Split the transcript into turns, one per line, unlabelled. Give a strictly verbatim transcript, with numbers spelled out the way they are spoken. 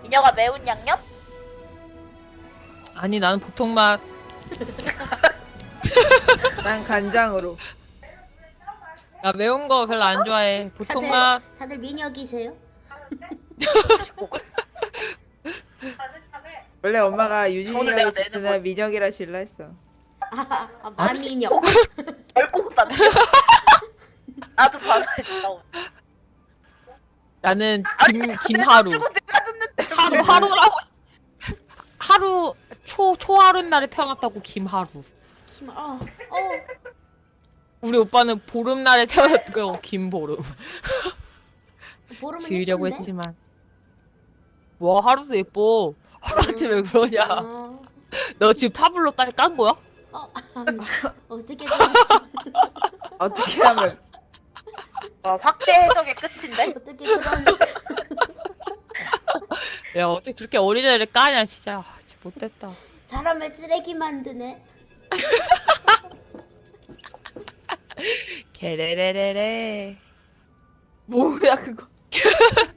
미녀가 매운 양념?
아니 나는 보통 맛.
난 간장으로.
나 매운 거 별로 안 좋아해. 보통
다들
맛.
다들 미녀기세요?
원래 엄마가
오늘
유진이라고
내가
짓는
내는
날 민혁이라 질라 했어.
아, 아 마미녀.
멸국 남겨. 나도 받아야지. 나 오늘.
나는 김 김하루.
죽은 내가 듣는데.
하루 하루라고. 하루 초 초하루 날에 태어났다고 김하루.
김, 어, 어.
우리 오빠는 보름날에 태어났고 김보름.
보름은
지으려고
예쁜데?
했지만. 와 하루도 예뻐. 하루한테 왜 그러냐.
어,
너 지금 타블로 딸 깐 거야?
어, 아, 어떻게
어떻게 하면
와, 확대 해석의 끝인데?
어떻게 그런
야 어떻게 그렇게 어린애를 까냐 진짜. 아, 진짜 못됐다.
사람을 쓰레기 만드네.
게레레레레.
뭐야 그거?